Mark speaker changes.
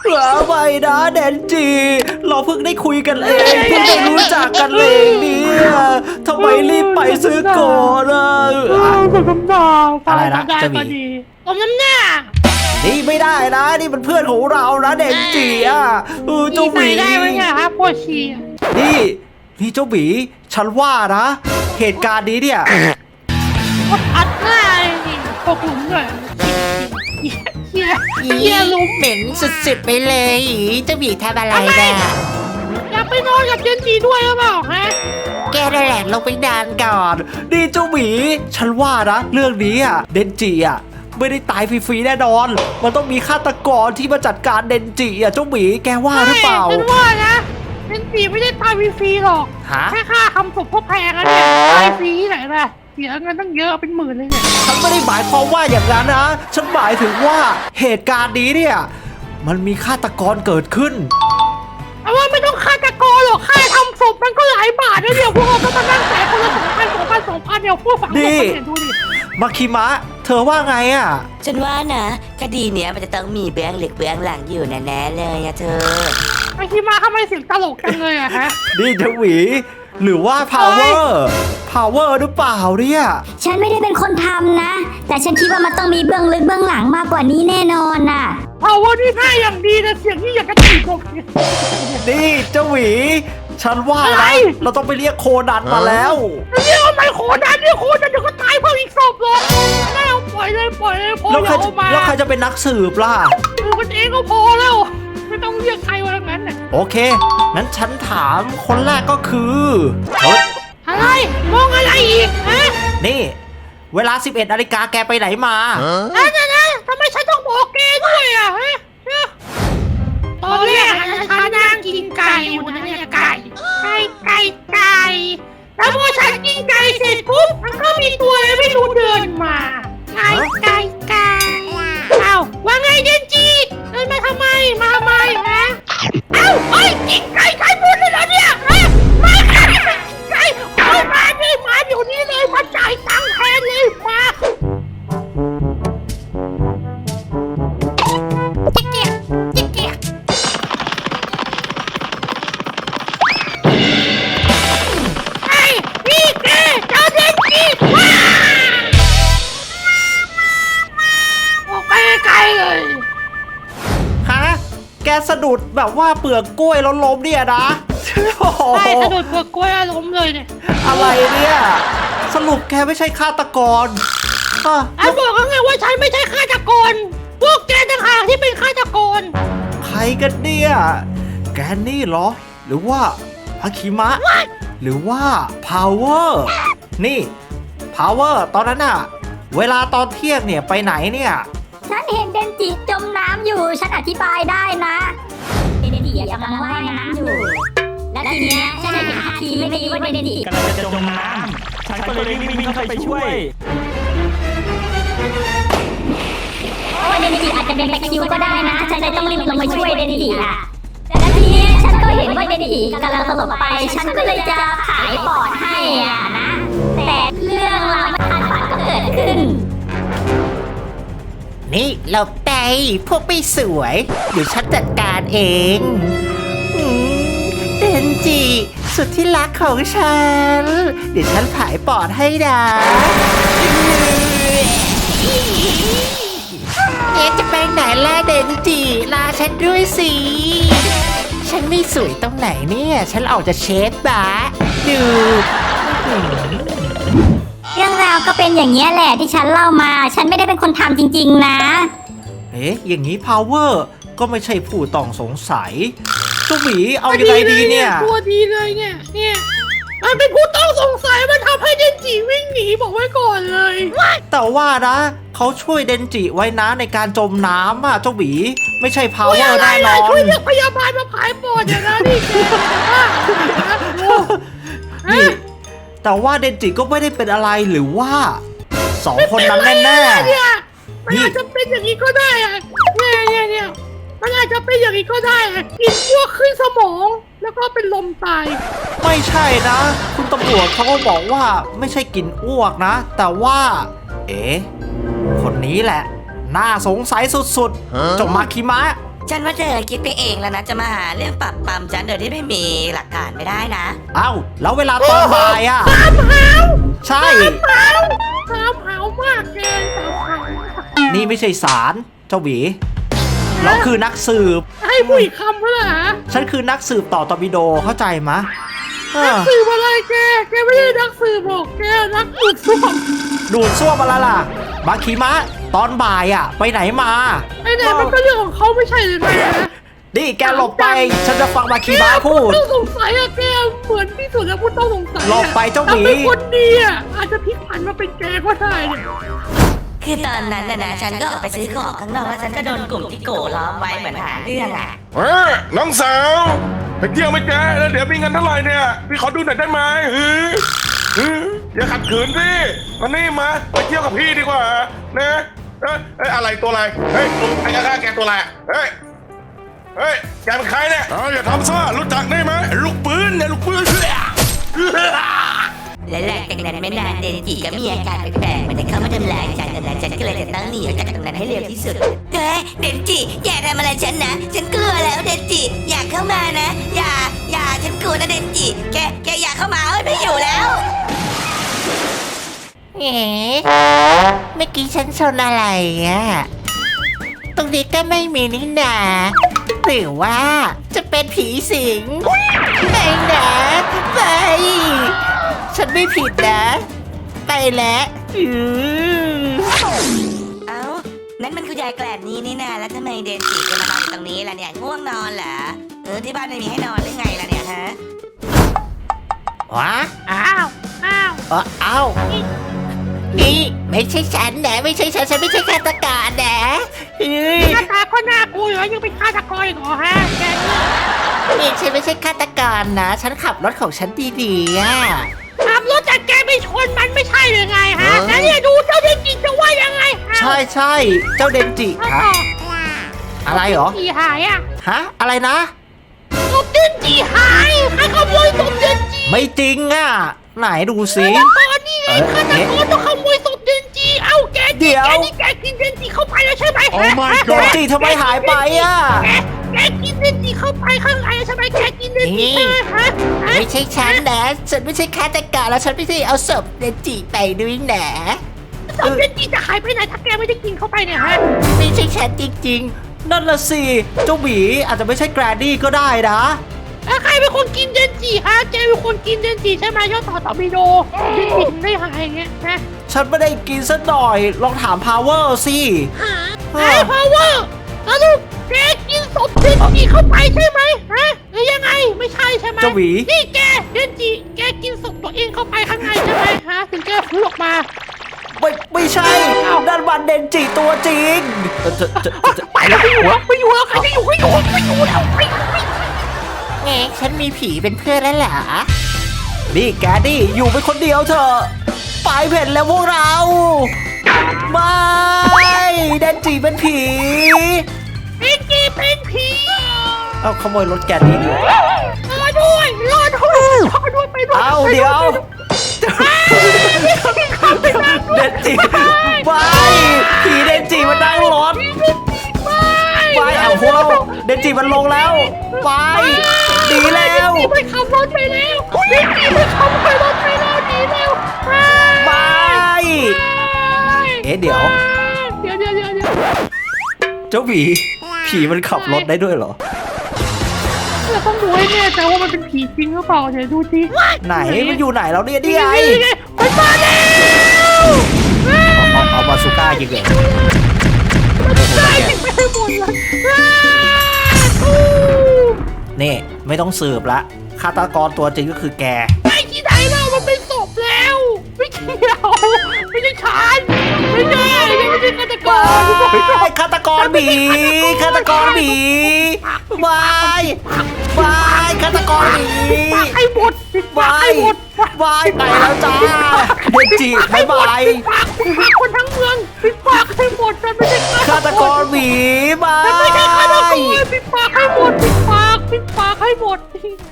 Speaker 1: ไม่นะเดนจิเราเพิ่งได้คุยกันเองเพิ่งได้รู้จักกันเองเนี่ยทำไมรีบไปซื้อก่อนอะอะไรนะจะมี
Speaker 2: ผมน้ำหน้า
Speaker 1: นี่ไม่ได้นะนี่เป็นเพื่อนของเรานะเดนจิอ่ะเจ้าหมี
Speaker 2: ได้ไหมครับพ่อชี
Speaker 1: นี่เจ้าหมีฉันว่านะเหตุการณ์นี้เนี่ย
Speaker 2: กดอัดหน้านี่ตกหลุมเลยเฮียลุม
Speaker 3: เหม็นสุดๆไปเลยเจ้าหมีทำอะไรเนี่ย
Speaker 2: อยากไปนอนกับเจนจีด้วยหรือเปล่าฮะ
Speaker 3: แกนั่นแหละลงไปนานก่อน
Speaker 1: นี่เจ้าหมีฉันว่านะเรื่องนี้อ่ะเดนจิอ่ะไม่ได้ตายฟรีๆแน่นอนมันต้องมีฆาตกรที่มาจัดการเดนจิอ่ะเจ้าหมีแกว่าหรือเปล่า
Speaker 2: ฉันว่านะเจนจีไม่ได้ตายฟรีๆหรอกแค่ค่าทำศพพวกแพงนะเนี่ยตายฟรีที่ไหนล่ะเสียเงินตั้งเยอะเป็นหมื่นเลยเนี่ย
Speaker 1: ฉันไม่ได้หมายความว่าอย่างนั้นนะฉันหมายถึงว่าเหตุการณ์นี้เนี่ยมันมีฆาตกรเกิดขึ้น
Speaker 2: แต่ว่าไม่ต้องฆาตกรหรอกค่าทำศพมันก็หลายบาทนะเดี๋ยวพวกเราต้องมานั่งจ่ายคนละ2,000 เดี๋ยวพวกฝังศพเนี่ยดูดิ
Speaker 1: มาคิมะเธอว่าไงอ่ะ
Speaker 3: ฉันว่านะคดีเนี้ยมันจะต้องมีเบื้องลึกเบื้องหลังอยู่แน่ๆเลยอะเธอ
Speaker 2: มาคิมะทำไมเสียงตลกจังเลยอะฮะ
Speaker 1: นี่เจ้าหวีหรือว่า power หรือเปล่าเนี่ย
Speaker 4: ฉันไม่ได้เป็นคนทำนะแต่ฉันคิดว่ามันต้องมีเบื้องลึกเบื้องหลังมากกว่านี้แน่นอนน่ะ
Speaker 2: power นี่ง่ายอย่างดีนะเสียงนี่อยากกระตีผม
Speaker 1: นี่เจ้าหวีฉันว่านะเราต้องไปเรียกโคนันมาแล้ว
Speaker 2: เรียกทำไมโคนันเดี๋ยวก็ตายเพิ่มอีกศพเลยไม่เอาปล่อยเลยพออย่าเอามา
Speaker 1: แล้วใครจะเป็นนักสืบล่ะ
Speaker 2: กันเองก็พอแล้วไม่ต้องเรียกใครว่างั้นน่ะ
Speaker 1: โอเคงั้นฉันถามคนแรกก็คือ
Speaker 2: อะไรมองอะไรอีกฮะ
Speaker 1: นี่เวลา 11 นาฬิกาแกไปไหนมา
Speaker 2: นะทำไมฉันต้องบอกแกด้วยอ่ะฮะตอนแรกฉันนั่งกินไก่อยู่นะเนี่ยไก่แล้วพอฉันกินไก่เสร็จปุ๊บมันก็มีตัวอะไรไม่รู้เดินมาไก่เอ้าว่าไงเดนจีเดินมาทำไมฮะเอ้ากินไก่หมดเลยเหรอเนี่ยฮะไม่ไก่เอามาเดี๋ยวนี้เลยมาจ่ายตังค์แทนเลยมา
Speaker 1: แกสะดุดแบบว่าเปลือกกล้วยแล้วล้มเนี่ยนะ
Speaker 2: ใช่สะดุดเปลือกกล้วยแล้วล้มเลยเนี่ย
Speaker 1: อะไรเนี่ยสรุปแกไม่ใช่ฆาตกร
Speaker 2: บอกเขาไงว่าฉันไม่ใช่ฆาตกรพวกแกต่างหากที่เป็นฆาตกร
Speaker 1: ใครกันเนี่ยแกนี่เหรอหรือว่าฮาคิมะหรือว่าพาวเวอร์นี่พาวเวอร์ตอนนั้นอะเวลาตอนเที่ยงเนี่ยไปไหนเนี่ย
Speaker 4: ฉันเห็นเดนจิจมน้ำอยู่ฉันอธิบายได้นะเดนจิกำลังว่ายน้ำอยู่และทีเนี้ยฉันเห็นท่าทีไม่ดีว่าเดนจิ
Speaker 5: กำลังจะจมน้ำฉันก็เลยวิ่งเข้าไปช่วย
Speaker 4: ว่าเดนจิอาจจะเป็นแบคคิวก็ได้นะฉันเลยต้องรีบลงมาช่วยเดนจิอ่ะและทีนี้ฉันก็เห็นว่าเดนจิกำลังสลบไปฉันก็เลยจะขายปอดให้อ่ะนะแต่เรื่องราวไม่คาดฝันก็เกิดขึ้น
Speaker 3: นี่หลบไปพวกไม่สวยเดี๋ยวฉันจัดการเองเดนจิสุดที่รักของฉันเดี๋ยวฉันผายปอดให้นะจะไปไหนล่ะเดนจิลาฉันด้วยสิฉันไม่สวยตรงไหนเนี่ยฉันออกจะเชฟบะดู
Speaker 4: เรื่องราวก็เป็นอย่างนี้แหละที่ฉันเล่ามาฉันไม่ได้เป็นคนทำจริงๆนะ
Speaker 1: อย่างนี้ power ก็ไม่ใช่ผู้ต้องสงสัยเจ้าหมีเอายังไงดีเนี่ย
Speaker 2: ตัวดีเลยเนี่ยมันเป็นผู้ต้องสงสัยมันทำให้เดนจิวิ่งหนีบอกไว้ก่อนเลย
Speaker 1: แต่ว่านะเขาช่วยเดนจิไว้นะในการจมน้ำอ่ะเจ้าหมีไม่ใช่ power แน่นอน
Speaker 2: ช่วยเรียกพยาบาลมาผายปอดอย่างนั้น
Speaker 1: นี่แต่ว่าเดนจิก็ไม่ได้เป็นอะไรหรือว่า2 คนนั้นแน่
Speaker 2: เนี่ยมันอาจจะเป็นอย่างนี้ก็ได้อะเนี่ยมันอาจจะเป็นอย่างนี้ก็ได้กินพวกขึ้นสมองแล้วก็เป็นลมตาย
Speaker 1: ไม่ใช่นะคุณตำรวจเขาก็บอกว่าไม่ใช่กินอ้วกนะแต่ว่าคนนี้แหละน่าสงสัยสุดๆจงมาคิมะ
Speaker 6: ฉันว่าเธอคิดไปเองแล้วนะจะมาหาเรื่องปรับปรามฉันโดยที่ไม่มีหลักฐานไม่ได้นะ
Speaker 1: เอ้าแล้วเวลาตอนบ่ายอ่ะ
Speaker 2: ตามหาว
Speaker 1: ใช่
Speaker 2: ตามหาวมากเลยตามหาวมาก
Speaker 1: นี่ไม่ใช่ศาลเจ้าหวีเราคือนักสืบ
Speaker 2: ให้ผู้อีกคำเพื่อหา
Speaker 1: ฉันคือนักสืบต่อตอร์ปิโดเข้าใจมะเอ
Speaker 2: นัก
Speaker 1: อ
Speaker 2: สืบอะไรแกไม่ได้นักสืบหรอกแกนักอุดซ่วม
Speaker 1: ดูดซ่วมมาแล้วล่ะบาคิมะตอนบ่ายอ่ะ ไปไหนมา
Speaker 2: ไอ้เนี่ยมันก็เรื่องของเขาไม่ใช่เลยนะ
Speaker 1: นี่แกหลบไป ฉันจะฟังบาคิมะพูด
Speaker 2: แกต้องสงสัยอะแกเหมือนที่สุดแล้วพูดต้องสงสัยอะ
Speaker 1: หลบไปเจ้าหมี
Speaker 2: ถ้เป็นคนดีอะอาจจะพลิกผันมาเป็นแกก็ได้เนี่ย
Speaker 6: คือตอนนั้นนะฉันก็ออกไปซื้อของข้างนอกแล้วฉันก็โดนกลุ่มที่โกล้อมไว้เหมือนหาเรื่องอ่ะ
Speaker 7: น้องสาวไปเที่ยวไหมจ๊ะแล้วเดี๋ยวมีเงินเท่าไหร่เนี่ยพี่ขอดูหน่อยได้ไหมอย่าขัดขืนสิมานี่มาไปเที่ยวกับพี่ดีกว่านะอะไรตัวอะไรเฮ้ยไอ้ข้าแกตัวอะไรเฮ้ยแกเป็นใครเนี่ยอย่าทำซ่ารู้จักได้ไหมลูกปืนเนี่ยลูกปืน
Speaker 6: และหลังจากนั้นไม่นานเดนจิก็มีอาการแปลกๆเหมือนจะเข้ามาทำลายฉันและฉันก็เลยจะต้องหนีออกจากตรงนั้นให้เร็วที่สุดเฮ้ยเดนจิอย่าทำอะไรฉันนะฉันกลัวแล้วเดนจิอย่าเข้ามานะอย่าฉันกลัวนะเดนจิแกอย่าเข้ามาเอ้ยไม่อยู่แล้ว
Speaker 3: เอ๋เมื่อกี้ฉันชนอะไรอ่ะ ตรงนี้ก็ไม่มีนี่นาหรือว่าจะเป็นผีสิงไม่นะไป ฉันไม่ผิดนะ ไปแล้ว
Speaker 6: เอ้านั่นมันคุณยายแกลบนี้นี่นาแล้วทำไมเดนจิจะมานอนอยู่ตรงนี้ล่ะเนี่ยง่วงนอนเหรอที่บ้านไม่มีให้นอนหรือไงล่ะเนี่ยฮะ
Speaker 3: วะ
Speaker 2: อ้าว
Speaker 3: เอ้านี่ไม่ใช่ฉันนะไม่ใช่ฉันไม่ใช่ฆาตกรนะเฮ้ย
Speaker 2: หน้าตาก็น่ากลัวอยู่แล้วยังเป็นฆาตกรอีกเหรอฮะแกนี่
Speaker 3: นี่ฉันไม่ใช่ฆาตกรนะ ฉันขับรถของฉันดีๆอ่ะ
Speaker 2: ขับรถจากแกไปชนมันไม่ใช่เลยไงฮะแล้วเนี่ยดูเจ้าเด็กจิตจะว่ายังไงฮะ
Speaker 1: ใช่ใช่เจ้าเดนจิ
Speaker 2: แล้ว
Speaker 1: ฮะ
Speaker 2: ต่อ
Speaker 1: อะไรเหรอ
Speaker 2: จีหายอ่ะ
Speaker 1: ฮะอะไรนะ
Speaker 2: ศพเด็กจีหายใครขโมยศพเด็กจี
Speaker 1: ไม่จริงอ่ะ ไหนดูสิ
Speaker 2: ฆาตกรนี่ไงฆาตกรต้องขโมยศพเด็กจีเอ้าแก
Speaker 1: เดี๋ยว
Speaker 2: แกกินเด็กจีเข้าไปแล้วใช่ไหม
Speaker 7: Oh my
Speaker 1: เดนจิทำไมหายไปอ่ะ
Speaker 2: แกกินเด็กจีเข้าไปข้างในใช่ไหมแกกินเด็กจีใช่ไหมฮะ
Speaker 3: ไม่ใช่ฉันนะ ฉันไม่ใช่ฆาตกรแล้วฉันไม่ใช่เอาศพเดนจิไปด้วยนะ
Speaker 2: ศพเด็กจีจะหายไปไหนถ้าแกไม่ได้กินเข้าไปเนี่ยฮะ
Speaker 3: ไม่ใช่ฉันจริง
Speaker 1: นั่นละสิ เจ้าหมีอาจจะไม่ใช่แกรนดี้ก็ได้นะ
Speaker 2: แล้วใครเป็นคนกินเดนจีฮะแกเป็นคนกินเดนจีใช่ไหมยอดต่อต่อบิโดเดนจีถึงได้หายอย่างเงี้ยนะ
Speaker 1: ฉันไม่ได้กินสักหน่อย ลองถามพาวเวอร์สิ
Speaker 2: ไอ้พาวเวอร์แล้วลูกแกกินศพเดนจีเข้าไปใช่ไหมฮะหรือยังไงไม่ใช่ใช่ไหม
Speaker 1: เจ้าหวี
Speaker 2: นี่แกเดนจีแกกินศพตัวเองเข้าไปข้างในใช่ไหมฮะถึงแกฟื้นออกมา
Speaker 1: ไม่ใช่นั่นมันเดนจิตัวจริง
Speaker 2: ไปแล้วไม่อยู่แล้วใครจะอยู่ก็อยู่ไม่อยู่แล้วไป
Speaker 3: ๆ เอ๊ะฉันมีผีเป็นเพื่อนแล้วเหรอ
Speaker 1: นี่แกดี้อยู่เป็นคนเดียวเถอะไปเผ็ดแล้วพวกเรา ไม่เดนจิเป็นผี
Speaker 2: เดนจีเป็นผี
Speaker 1: เอาขโมยรถแกดี้ดิ
Speaker 2: รอด้วยไปด้วย
Speaker 1: เอาเดี๋ยวเดนจิไปผีเดนจิมันนั่งรถไปเอาพวกเราเดนจิมันลงแล้วไปดีแล้ว
Speaker 2: ไปขับรถไปแล้วเดนจีไปขับรถไปแล้วดีแล้ว
Speaker 1: ไปเอ๊ะเดี๋ยว
Speaker 2: เดี๋ยว
Speaker 1: เจ้าหมีผีมันขับรถได้ด้วยเหรอ
Speaker 2: เราต้องดูให้แน่ใจว่ามันเป็นผีจริงหรือเปล่าเดี๋ยวดูสิ
Speaker 1: ไหนมันอยู่ไหนแล้วเนี่ยนี่ไง
Speaker 2: มันมาแล้ว
Speaker 1: เอาบาซูก้ายิงเลย
Speaker 2: ตายไปให้หมดเลย
Speaker 1: นี่ไม่ต้องสืบละฆาตกรตัวจริงก็คือแก
Speaker 2: ไอ้ที่ไหนเรามันเป็นศพแล้วไม่เกี่ยวไม่ใช่ฉันไม่ใช่ยังไม่ใช่ฆาตกร
Speaker 1: ไอ้ฆาตกรหมีฆาตกรหมีวายฆาตกรหมี
Speaker 2: ปากให้หมดปิดปาก
Speaker 1: วา
Speaker 2: ให้
Speaker 1: ย
Speaker 2: หมด
Speaker 1: วายไปแล้วจ้าเดนจิบายบาย
Speaker 2: ปิดปากคนทั้งเมืองปิดปากให้หมดมันไม่ใช่
Speaker 1: ฆาตกรหมีบา
Speaker 2: มันไม่ใช่ฆาตกร
Speaker 1: ย
Speaker 2: ปิดปากให้หมดปิดปากให้หมด